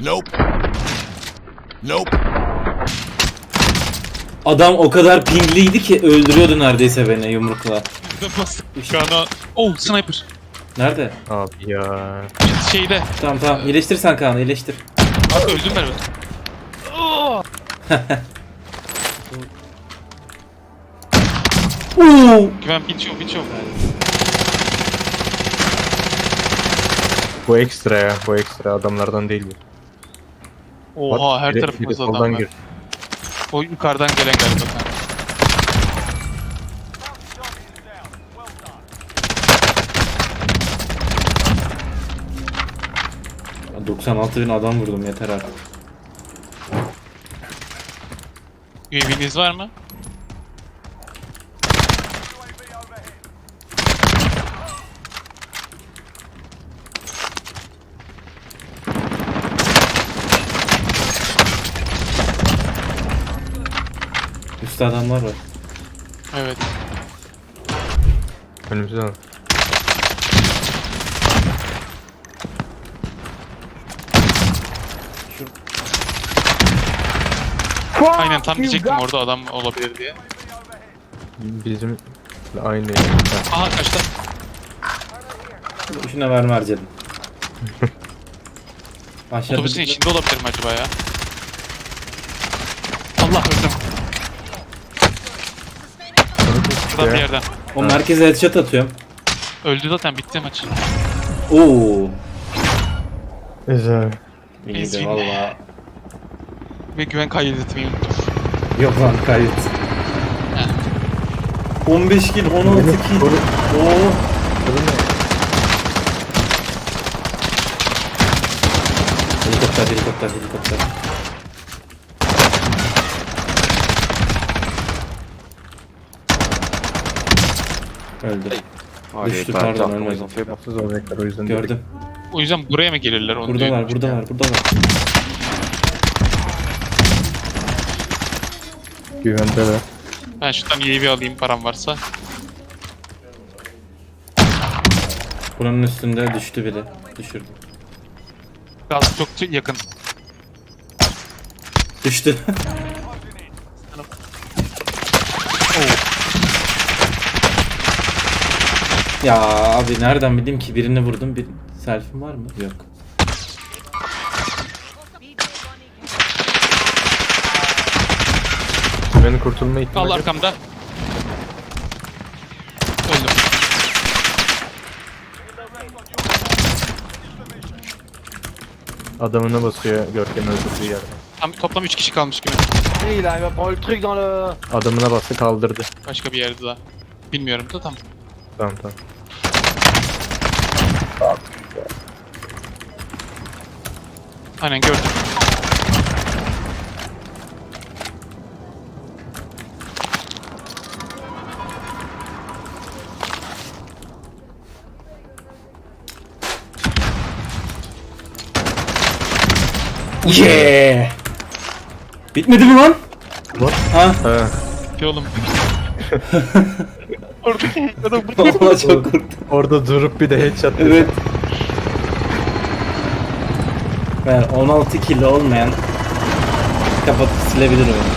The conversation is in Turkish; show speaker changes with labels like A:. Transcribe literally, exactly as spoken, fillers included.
A: Nope. Nope.
B: Adam o kadar pingliydi ki öldürüyordu neredeyse beni yumrukla.
C: Bastık şu an. Oh, sniper.
B: Nerede?
D: Abi ya.
C: Şeyde.
B: Tamam tamam iyileştir sen Kaan'ı iyileştir.
C: Abi öldüm ben. Oh!
B: Uuu.
C: Güven bitiyor bitiyor.
D: Bu ekstra ya. Bu ekstra adamlardan değil bu.
C: Oha, her
D: Biri-
C: tarafımızda
D: biri
C: adam
D: soldan
C: var.
D: gir.
C: O yukarıdan gelen galiba.
B: doksan altı bin adam vurdum yeter artık.
C: U A V'niz var mı?
B: Üstte adamlar var.
C: Evet.
D: Önümüzde al.
C: Aynen tam diyecektim orada adam olabilir diye.
D: Bizim aynı.
C: Aha kaçtı.
B: Şuna verme harcadım. Aşağıda
C: Otobüsün
B: bir-
C: içinde olabilir mi acaba ya? Allah öldüm. Şuradan bir yerden.
B: O merkeze headshot atıyorum.
C: Öldü zaten, bitti maç.
B: Oo.
D: Güzel.
B: İyiydi
C: Ezgin.
B: valla.
C: Ve güven kaydetmeyi unuttum.
B: Yok lan kayıt. on beş kill, on altı kill. Oo. Helikopter, helikopter, helikopter. Öldü. Düştü pardon ölmedi.
D: Yapsız olacaklar o yüzden.
B: Gördüm.
C: O yüzden buraya mı gelirler onu
B: Burada
C: diyorum.
B: var, burada var, burada var.
D: Güvende de.
C: Ben şuradan U A V alayım param varsa.
B: Buranın üstünde düştü biri. Düşürdüm.
C: Gaz çok yakın.
B: Düştü. Ya abi nereden bileyim ki birini vurdum, bir selfie'm var mı? Yok.
D: Güvenin kurtulma
C: Al
D: ihtimali.
C: arkamda. Öldüm.
D: Adamına basıyor Görkem öldürdüğü yerden.
C: Tam, toplam üç kişi kalmış gibi.
E: Il arrive à prendre le truc dans le...
D: Adamına bastı kaldırdı.
C: Başka bir yerde daha. Bilmiyorum da tam.
D: Tamam tamam.
C: Aynen gördüm.
B: Yeah! Bitmedi mi lan?
D: What?
B: Ha?
D: Ha.
C: Ki oğlum. Oradaki adam
B: Vallahi çok korktum.
D: Orada durup bir de headshot.
B: Evet. Ben on altı kill olmayan kapatıp silebilir oyunu.